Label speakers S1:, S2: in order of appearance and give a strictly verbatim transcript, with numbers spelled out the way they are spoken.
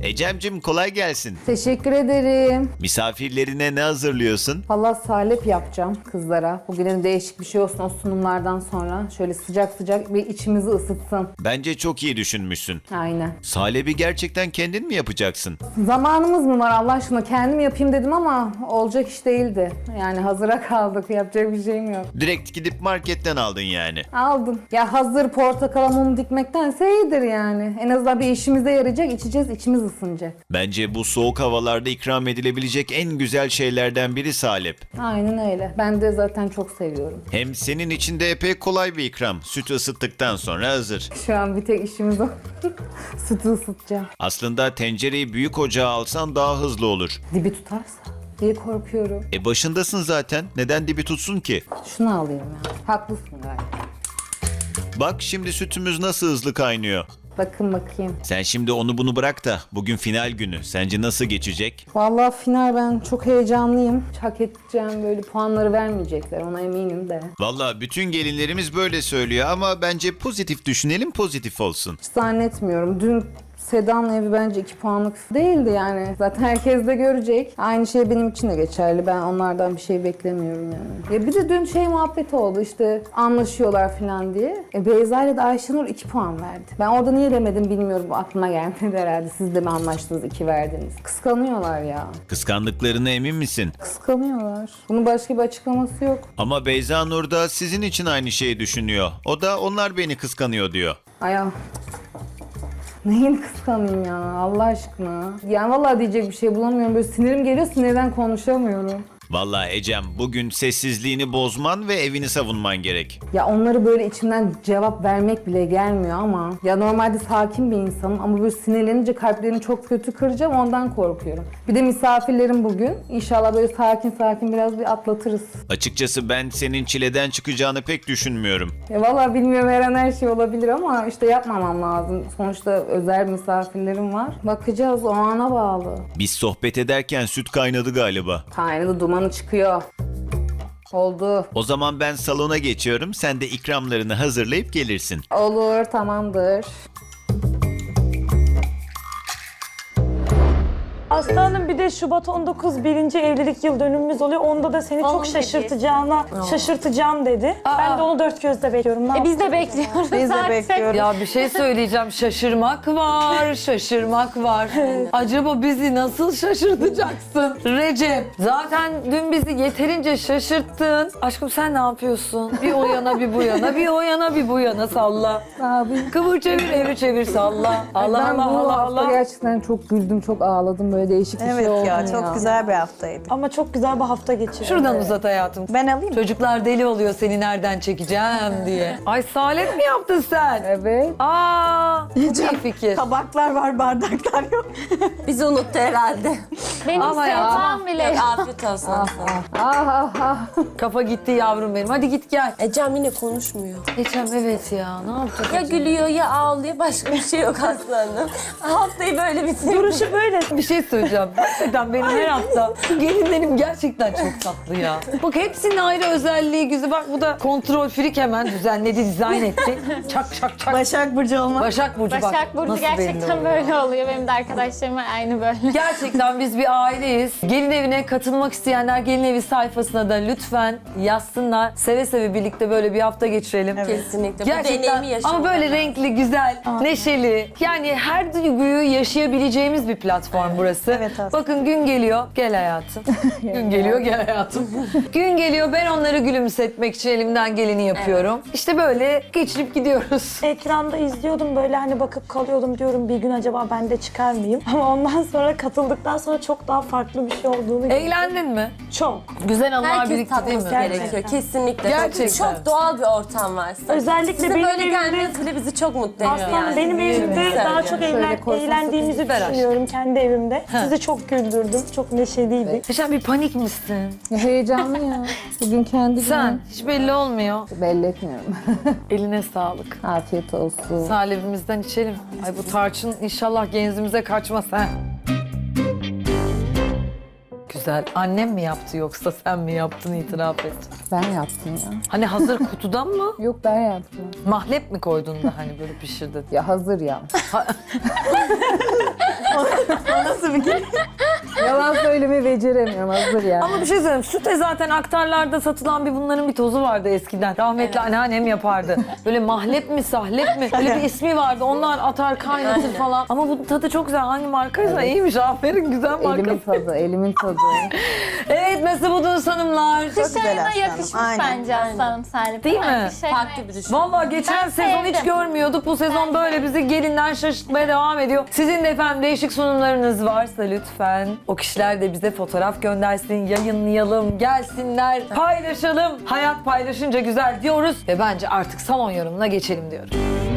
S1: Ecem'cim kolay gelsin.
S2: Teşekkür ederim.
S1: Misafirlerine ne hazırlıyorsun?
S2: Valla salep yapacağım kızlara. Bugün değişik bir şey olsun o sunumlardan sonra. Şöyle sıcak sıcak bir içimizi ısıtsın.
S1: Bence çok iyi düşünmüşsün.
S2: Aynen.
S1: Salebi gerçekten kendin mi yapacaksın?
S2: Zamanımız mı var Allah aşkına? Kendim yapayım dedim ama olacak iş değildi. Yani hazıra kaldık. Yapacak bir şeyim yok.
S1: Direkt gidip marketten aldın yani.
S2: Aldım. Ya hazır portakala mum dikmektense iyidir yani. En azından bir işimize yarayacak. İçeceğiz, içimiz ısınacak.
S1: Bence bu soğuk havalarda ikram edilebilecek en güzel şeylerden biri salep.
S2: Aynen öyle. Ben de zaten çok seviyorum.
S1: Hem senin için de epey kolay bir ikram. Sütü ısıttıktan sonra hazır.
S2: Şu an bir tek işimiz o. Sütü ısıtacağım.
S1: Aslında tencereyi büyük ocağa alsan daha hızlı olur.
S2: Dibi tutarsa diye korkuyorum.
S1: E başındasın zaten. Neden dibi tutsun ki?
S2: Şunu alayım ya. Haklısın galiba.
S1: Bak şimdi sütümüz nasıl hızlı kaynıyor.
S2: Bakın bakayım.
S1: Sen şimdi onu bunu bırak da bugün final günü. Sence nasıl geçecek?
S2: Vallahi final ben çok heyecanlıyım. Hak edeceğim böyle puanları vermeyecekler ona eminim de.
S1: Valla bütün gelinlerimiz böyle söylüyor ama bence pozitif düşünelim, pozitif olsun.
S2: Hiç zannetmiyorum. Dün Seda'nın evi bence iki puanlık değildi yani. Zaten herkes de görecek. Aynı şey benim için de geçerli. Ben onlardan bir şey beklemiyorum yani. Ya bir de dün şey muhabbeti oldu işte anlaşıyorlar falan diye. E Beyza ile de Ayşenur iki puan verdi. Ben orada niye demedim bilmiyorum. Aklıma gelmedi herhalde. Siz de mi anlaştınız iki verdiniz? Kıskanıyorlar ya.
S1: Kıskandıklarına emin misin?
S2: Kıskanıyorlar. Bunun başka bir açıklaması yok.
S1: Ama Beyza Nur da sizin için aynı şeyi düşünüyor. O da onlar beni kıskanıyor diyor.
S2: Aya. Neyin kıskanayım ya Allah aşkına. Yani vallahi diyecek bir şey bulamıyorum. Böyle sinirim geliyor sinirden konuşamıyorum.
S1: Valla Ecem bugün sessizliğini bozman ve evini savunman gerek.
S2: Ya onları böyle içimden cevap vermek bile gelmiyor ama ya normalde sakin bir insanım ama böyle sinirlenince kalplerini çok kötü kıracağım ondan korkuyorum. Bir de misafirlerim bugün. İnşallah böyle sakin sakin biraz bir atlatırız.
S1: Açıkçası ben senin çileden çıkacağını pek düşünmüyorum.
S2: Ya vallahi bilmiyorum her an her şey olabilir ama işte yapmamam lazım. Sonuçta özel misafirlerim var. Bakacağız o ana bağlı.
S1: Biz sohbet ederken süt kaynadı galiba.
S2: Kaynadı dumanı çıkıyor. Oldu.
S1: O zaman ben salona geçiyorum. Sen de ikramlarını hazırlayıp gelirsin.
S2: Olur tamamdır.
S3: Aslanım bir de Şubat on dokuz birinci evlilik yıl dönümümüz oluyor. Onda da seni çok şaşırtacağına şaşırtacağım dedi. Ben de onu dört gözle bekliyorum. Ne
S4: E biz de bekliyoruz.
S5: Biz de
S4: artık.
S5: bekliyoruz.
S6: Ya bir şey söyleyeceğim. Şaşırmak var, şaşırmak var. Acaba bizi nasıl şaşırtacaksın Recep? Zaten dün bizi yeterince şaşırttın. Aşkım sen ne yapıyorsun? Bir o yana bir bu yana, bir o yana bir bu yana salla.
S2: Abi.
S6: Kıvır çevir, evir çevir salla. Allah
S2: ben
S6: Allah
S2: bu
S6: Allah
S2: hafta
S6: Allah.
S2: gerçekten çok güldüm, çok ağladım. Böyle değişik bir şey
S5: Evet
S2: oldu
S5: ya çok güzel bir haftaydı.
S3: Ama çok güzel bir hafta geçirdim.
S6: Şuradan uzat hayatım.
S5: Ben alayım mı?
S6: Çocuklar deli oluyor seni nereden çekeceğim diye. Ay salep mi yaptın sen?
S2: Evet.
S6: Aa, çok iyi fikir.
S5: Tabaklar var, bardaklar yok.
S4: Bizi unuttu herhalde.
S3: Benim
S6: Ama ya.
S4: Tamam bile. Afiyet olsun.
S2: Ah ah ah.
S6: Kafa gitti yavrum benim. Hadi git gel.
S4: Ecem yine konuşmuyor.
S6: Ecem evet ya. Ne yapacak?
S4: Ya
S6: Ecem?
S4: gülüyor ya ağlıyor. Başka bir şey yok aslanım. Haftayı böyle bitirdik.
S3: duruşu böyle.
S6: Bir şey söyleyeceğim. Gerçekten benim her hafta gelinlerim gerçekten çok tatlı ya. Bak hepsinin ayrı özelliği güzel. Bak bu da kontrol frik hemen düzenledi, dizayn etti. Çak çak çak.
S5: Başak Burcu olmak.
S6: Başak Burcu bak.
S7: Başak Burcu
S6: nasıl belli
S7: gerçekten
S6: oluyor.
S7: böyle oluyor. Benim de arkadaşlarım var aynı böyle.
S6: Gerçekten biz bir aileyiz. Gelin evine katılmak isteyenler gelin evi sayfasına da lütfen yazsınlar. Seve seve birlikte böyle bir hafta geçirelim.
S4: Kesinlikle. Bu
S6: Gerçekten
S4: deneyimi yaşamak.
S6: ama böyle renkli, güzel, neşeli. Yani her duyguyu yaşayabileceğimiz bir platform burası.
S5: Evet, aslında.
S6: Bakın gün geliyor, gel hayatım. Gün geliyor, gel hayatım. Gün geliyor, ben onları gülümsetmek için elimden geleni yapıyorum. İşte böyle geçirip gidiyoruz.
S3: Ekranda izliyordum böyle hani bakıp kalıyordum diyorum bir gün acaba ben de çıkar mıyım? Ama ondan sonra katıldıktan sonra çok daha farklı bir şey olduğunu gördüm.
S6: Eğlendin mi?
S3: Çok.
S6: Güzel anlar
S4: Herkes
S6: birikti değil mi?
S4: tatması gerekiyor. Kesinlikle.
S6: Gerçekten.
S4: Çok doğal bir ortam var.
S3: Özellikle
S4: Sizin
S3: benim
S4: böyle
S3: evimde-
S4: gelmeniz bile bizi çok mutlu ediyor
S3: Aslanım
S4: yani.
S3: benim evimde
S4: Güzel
S3: daha
S4: yani.
S3: çok
S2: Şöyle
S3: eğlen,
S2: koysanız
S3: eğlendiğimizi
S6: Süper aşk.
S3: düşünüyorum kendi evimde. Sizi çok güldürdüm. Çok neşeliydik.
S6: Sen bir panik misin?
S2: Ya heyecanlı ya. Bugün kendi
S6: Sen
S2: günüm.
S6: hiç belli olmuyor.
S2: Belli etmiyorum.
S6: Eline sağlık.
S2: Afiyet olsun.
S6: Salebimizden içelim. Ay bu tarçın inşallah genzimize kaçmaz ha. güzel. Annem mi yaptı yoksa sen mi yaptın, itiraf et.
S2: Ben yaptım ya.
S6: Hani hazır kutudan mı?
S2: Yok ben yaptım.
S6: Mahlep mi koydun da hani böyle pişirdin?
S2: Ya hazır ya.
S5: Nasıl bir gün?
S2: Yalan söylemeyi beceremiyorum, hazır yani.
S6: Ama bir şey söyleyeyim. Süte zaten aktarlarda satılan bir bunların bir tozu vardı eskiden. Rahmetli anneannem yapardı. Böyle mahlep mi sahlep mi? Öyle bir ismi vardı. Onlar atar kaynatır falan. Ama bu tadı çok güzel. Hangi markaysa iyiymiş. Aferin, güzel marka.
S2: Elimin tadı, elimin tadı.
S6: Evet, nasıl buldunuz hanımlar?
S7: Kış
S5: güzel
S7: ayına
S5: aslanım,
S7: yakışmış
S5: aynen,
S7: bence aslanım Salih.
S6: Değil mi?
S7: Kış ayına
S4: Farklı bir düşün.
S6: Vallahi geçen
S7: Ben
S6: sezon hiç
S7: sevdim.
S6: görmüyorduk. Bu sezon böyle bizi gelinden şaşırtmaya devam ediyor. Sizin de efendim değişik sunumlarınız varsa lütfen o kişiler de bize fotoğraf göndersin, yayınlayalım, gelsinler, paylaşalım. Hayat paylaşınca güzel diyoruz ve bence artık salon yorumuna geçelim diyorum.